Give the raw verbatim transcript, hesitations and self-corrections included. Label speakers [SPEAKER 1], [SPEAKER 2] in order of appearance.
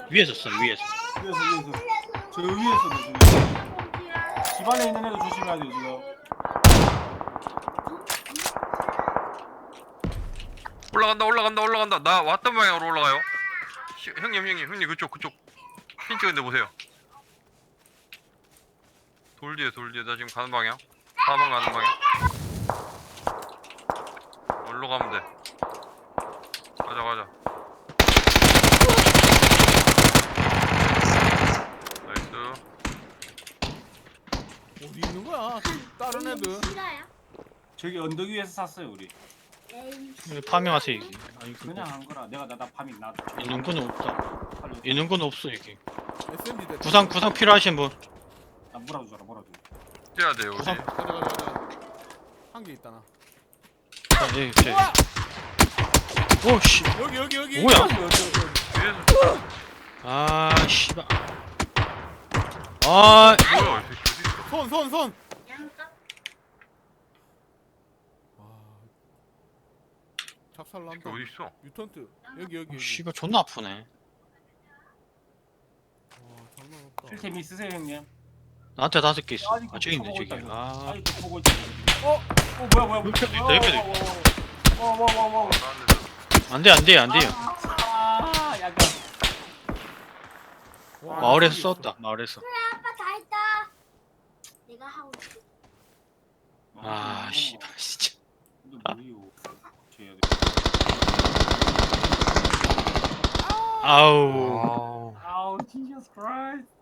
[SPEAKER 1] 위에서 써 위에서.
[SPEAKER 2] 위에서 위에서 저 위에서 저 집 안에 있는 애도 조심해야 돼요 지금.
[SPEAKER 3] 올라간다 올라간다 올라간다. 나 왔던 방향으로 올라가요. 시, 형님 형님 형님 그쪽 그쪽 핀 찍은데 보세요. 돌 뒤에 돌 뒤에 나 지금 가는 방향. 사 번 가는 방향. 어디로 가면 돼? 가자 가자. 나이스.
[SPEAKER 4] 어디 있는 거야? 다른 애들.
[SPEAKER 2] 저기 언덕 위에서 샀어요 우리.
[SPEAKER 1] 파밍하세요 이게. 아니 그거
[SPEAKER 2] 그냥 한 거라. 내가 나나 밤이 나.
[SPEAKER 1] 있는 건 없다. 있는 건 없어 이게.
[SPEAKER 4] 에스엠지 대.
[SPEAKER 1] 구상 구상 필요하신 분.
[SPEAKER 2] 나 뭐라도 줘라 뭐라도.
[SPEAKER 3] 뛰어야 돼요 우리.
[SPEAKER 1] 구상.
[SPEAKER 4] 가자 가자 가자. 한 개 있다 나.
[SPEAKER 1] 아, 예, 제.
[SPEAKER 4] 우와!
[SPEAKER 1] 오씨.
[SPEAKER 4] 여기 여기 여기.
[SPEAKER 1] 뭐야?
[SPEAKER 4] 여기, 여기, 여기.
[SPEAKER 3] 뒤에서
[SPEAKER 1] 아 씨발. 아
[SPEAKER 3] 뭐야 이 새끼 어디 있어?
[SPEAKER 4] 손 손 손. 와. 작살
[SPEAKER 3] 이 새끼
[SPEAKER 4] 난다.
[SPEAKER 3] 어디 있어?
[SPEAKER 4] 유턴트. 여기 여기 여기.
[SPEAKER 1] 씨발 존나 아프네.
[SPEAKER 4] 와 장난 없다.
[SPEAKER 2] 필템 있으세요 형님?
[SPEAKER 1] 나한테 다섯 개 있어.
[SPEAKER 2] 아니,
[SPEAKER 1] 아 저기 있네
[SPEAKER 2] 보고
[SPEAKER 1] 저기.
[SPEAKER 2] 있다,
[SPEAKER 1] 아
[SPEAKER 2] 아니 또 보고 있지. 어? 어 뭐야 뭐야.
[SPEAKER 1] 옆에도 있다, 옆에도 있다.
[SPEAKER 2] 와와와와.
[SPEAKER 1] 안돼 안돼 안돼요.
[SPEAKER 2] 아 약간.
[SPEAKER 4] 와,
[SPEAKER 1] 마을에서
[SPEAKER 4] 저기
[SPEAKER 1] 썼다 마을에서.
[SPEAKER 5] 아빠 다 했다. 내가 하고 있어.
[SPEAKER 1] 아 씨발 진짜.
[SPEAKER 2] 근데 뭐요? 줘야 돼.
[SPEAKER 1] 아우.
[SPEAKER 3] 아우.
[SPEAKER 2] 아우 Jesus Christ.